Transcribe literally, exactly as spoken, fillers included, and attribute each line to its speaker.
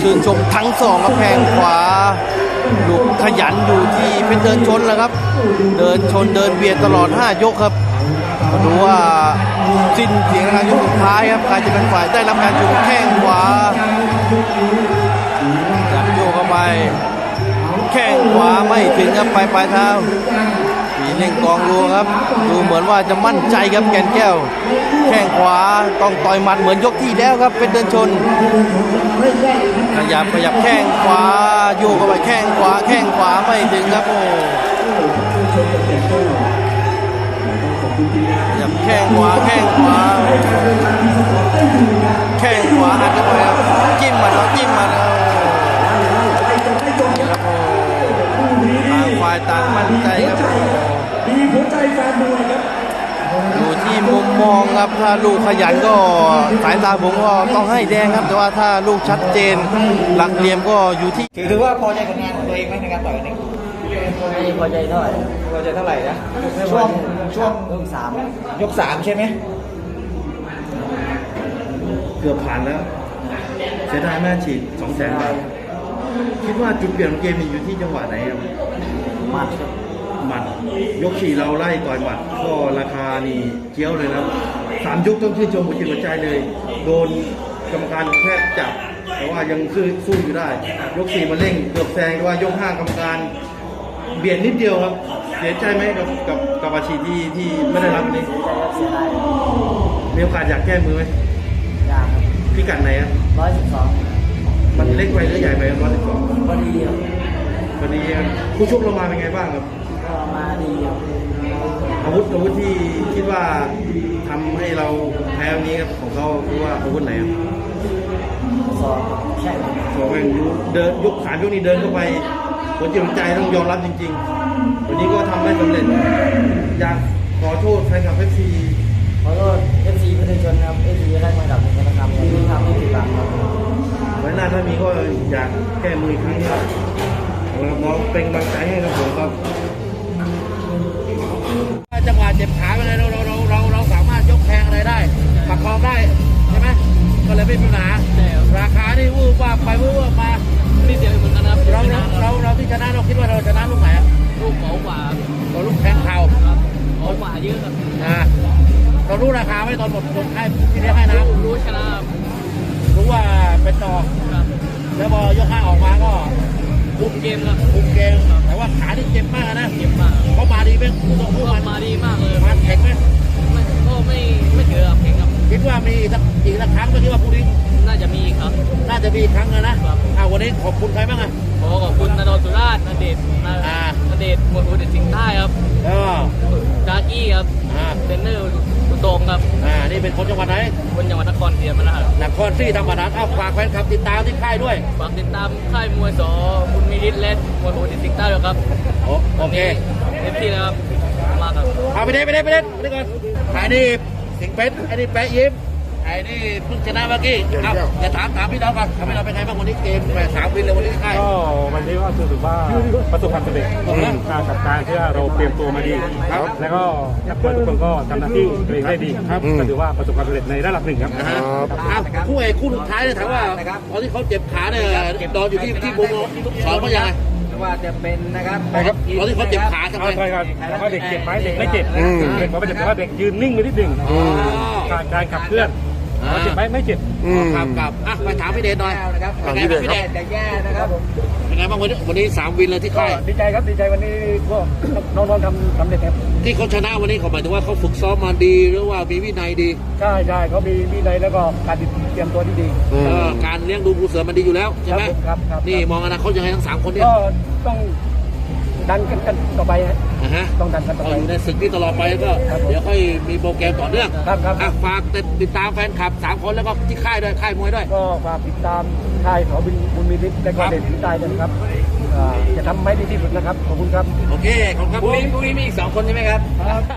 Speaker 1: ชื่นชมทั้งสองครับแข้งขวาลูกขยันอยู่ที่เป็นเดินชนแล้วครับเดินชนเดินเบียดตลอดห้ายกครับมาดูว่าสิ้นเสียงทางยกสุดท้ายครับใครจะเป็นฝ่ายได้รับการจุแข้งขวาจับโยกเข้าไปแข้งขวาไม่ถึงครับปลายปลายเท้ามีเล่งกองรัวครับดูเหมือนว่าจะมั่นใจครับแก่นแก้วแข้งขวาต้องต่อยหมัดเหมือนยกที่แล้วครับเป็นเดินชนขยับขยับแข้งขวาโยกเข้าไปแข้งขวาแข้งขวาไม่ถึงครับโอ้ขยับแข้งขวาแข้งขวาแข้งขวาอัดเข้าไปครับจิ้มมาแล้วจิ้มมาแล้วต่างฝ่ายต่างมั่นใจครับอยู่ที่มุมมองครับถ้าลูกขยันก็สายตาผมก็ต้องให้แดงครับแต่ว่าถ้าลูกชัดเจนหลักเหลี่ยมก็อยู่ที่
Speaker 2: ถือว่าพอใจผลงานของตัวเองไหมในการต่อยวันนี้
Speaker 3: ไม่พอใจเท่าไหร่
Speaker 2: พอใจเท่าไหร่นะช่วงช่วง
Speaker 3: ยกสาม
Speaker 2: ยกสามใช่ไหม
Speaker 1: เกือบผ่านแล้วเสียดายแม่ฉีดสองแสนบาทคิดว่าจุดเปลี่ยนของเกมอยู่ที่จังหวะไหนครับ
Speaker 3: มัด
Speaker 1: หมัดยกสี่เราไล่ต่อยหมัดก็ราคานี่เกี้ยวเลยนะสามยกต้องชื่นชมหัวจิตหัวใจเลยโดนกรรมการแทบจับแต่ว่ายังสู้สู้อยู่ได้ยกสี่มาเร่งเกือบแซงแต่ว่ายกห้ากรรมการเบียดนิดเดียวครับเสียใจไหมกับกับกับอาชีพที่ที่ไม่ได้รับวันนี้มีโอกาสอยากแก้มือไหม
Speaker 3: อยากครับ
Speaker 1: พิกัดไหนอ่ะ
Speaker 3: ร้อยสิบสอง
Speaker 1: มันเล็กไปหรือใหญ่ไปร้อยสิบสอง
Speaker 3: พอดีครับ
Speaker 1: พอดีครับผู้ชกเรามาเป็นไงบ้างครับ
Speaker 3: ก็มาดีครับ
Speaker 1: อาวุธอาวุธที่คิดว่าทำให้เราแพ้วันนี้ครับของเขาคือว่าอาวุธไหนครับ
Speaker 3: สองแข่ง
Speaker 1: สองแข่งเดินยกสามยกนี้เดินเข้าไปหัวจิตหัวใจต้องยอมรับจริงๆวันนี้ก็ทำได้สำเร็จอยากขอโทษแฟนคลับเอฟซี
Speaker 3: ขอโทษเอฟซีประชาชนครับเอฟซีได้มาดับหนึ่งนะครับที่ทำให้ผิดหวังครับ
Speaker 1: ไว้หน้าถ้ามีก็อยากแก้มืออีกครั้งครับน้องเป็นกำลังใจให้ครับผมครับจังหวะเจ็บขาไปเลยเราเราเราเราเราสามารถยกแทงอะไรได้ประคองได้ใช่ไหมก็เลยไม่มีปัญหาราคานี่วูบว่าไปวูบว่ามา
Speaker 3: นี่เดียวเหมือนกันนะ
Speaker 1: เราเราเราที่ชนะเราคิดว่าเราชนะลูกไหน
Speaker 3: ลูกเบากว่า
Speaker 1: เราลูกแทงเข่า
Speaker 3: เบากว่าเยอะครับ
Speaker 1: อ่าเรารู้ราคาไหมตอนหมดคนให้ที่ได้ให้นะ
Speaker 3: รู้ชนะ
Speaker 1: รู้ว่าเป็นต่อแล้วพอยกห้าออกมาก็
Speaker 3: คุมเกมครับ
Speaker 1: คุมเกมแต่ว่าขาที่เจ็บมากนะ
Speaker 3: เจ็บมาก
Speaker 1: เขามาดีไหมผู้ต่อสู้
Speaker 3: มาดีมากเลย
Speaker 1: มาแข็งไหม
Speaker 3: ไม่ก็ไม่ไม่เจอแข็งครับ
Speaker 1: คิดว่ามีอีกสักอีกสักครั้งก็คิดว่าพรุ่งนี้
Speaker 3: น่าจะมีครับ
Speaker 1: น่าจะมีครั้งนะนะอ่าวันนี้ขอบคุณใครบ้างอ่ะ
Speaker 3: ขอขอบคุณนนท์สุราษฎร์นเดชนเดชมวยอุดรสิงห์ใต้ครับ
Speaker 1: แล้ว
Speaker 3: กากี้ครับเทรนเนอร์อุตงครับ
Speaker 1: อ่านี่เป็นคนจังหวัดไหน
Speaker 3: คนจังหวัดนครศรีธรรมราช
Speaker 1: นครศรีธรรมราชเอาฝากแฟนคลับติดตามที่ค่ายด้วย
Speaker 3: ฝากติดตามค่ายมวยสอบุญมีฤทธิ์และมวยอุดรสิงห์ใต้ด้วยครับ
Speaker 1: โอเค
Speaker 3: เต็มที่นะครับมากครับ
Speaker 1: เอาไปเด็ดไปเด็ดไปเด็ดไปเด็ดก่อนไอ้นี่สิงเป็ดไอ้นี่แปะยิ้มไอ้นี่เพิ่งชนะเมื่อกี้เอาอย่าถามถามพี่น้องก่อนทำให้เราเป็นไงบ้างวันนี้เกมแปดสามวินเลยวันนี้ค่าย
Speaker 4: ก็วันนี้ก็รู้สึกว่าประสบความสำเร็จกับการที่เราเตรียมตัวมาดีแล้วก็นักมวยทุกคนก็ทำหน้าที่ตัวเองได้ดีครับก็ถือว่าประสบความสำเร็จในระดับหนึ่งครับ
Speaker 1: คู่เอกคู่สุดท้ายเนี่ยถามว่าตอนที่เขาเจ็บขาเนี่ยนอนอยู่ที่ที่มุมสอนเขายังไง
Speaker 2: ว่าจะเป็นนะครับ
Speaker 1: ตอนที่เขาเจ็บขาทำไม
Speaker 4: ใช่ครับว่าเด็กเจ็บไหมเด็กไม่เจ็บเด็กเขาไม่เจ็บแต่ว่าเด็กยืนนิ่งไปนิดหนึ่งการการขับเคลื่อนเจ็บไหมไม่เจ็บ
Speaker 1: ครับครับอ่ะไปถามพี่เดชหน่อย
Speaker 2: นะครับเป็นไงบ้างพี่เดชแย่นะครับ
Speaker 1: เป็นไงบ้างวันนี้วันนี้สามวินเลยที่ค่าย
Speaker 4: ดีใจครับดีใจวันนี้ก็น้องๆทำทำเด็ดครับ
Speaker 1: ที่เขาชนะวันนี้เขาหมายถึงว่าเขาฝึกซ้อมมาดีหรือว่ามีวินัยดี
Speaker 4: ใช่ใช่เขามีวินัยแล้วก็การเตรียมตัวที่ดี
Speaker 1: การเลี้ยงดูผู้เสือมันดีอยู่แล้วใช่ไหม
Speaker 4: ครับครับ
Speaker 1: นี่มองอนาคตยังไงทั้งสามคนเนี่ย
Speaker 4: ก็ต้องดันกันกันต่อไปฮะต้องดันกันต่อไป
Speaker 1: ในศึกนี้ตลอดไปก็เดี๋ยวค่อยมีโปรแกรมต่อเนื่อง
Speaker 4: ครับครับ
Speaker 1: ฝากติดตามแฟนคลับสามคนแล้วก็ที่ค่ายด้วยค่ายมวยด้วย
Speaker 4: ก็ฝากติดตามค่ายเขาบินบุญมีฤทธิ์และก็เด่นที่ใต้ด้วยนะครับจะทำให้ดีที่สุดนะครับขอบคุณครับ
Speaker 1: โอเคขอบคุณครับ
Speaker 2: พรุ่งนี้พรุ่งนี้มีอีกสองคนใช่ไหมครับ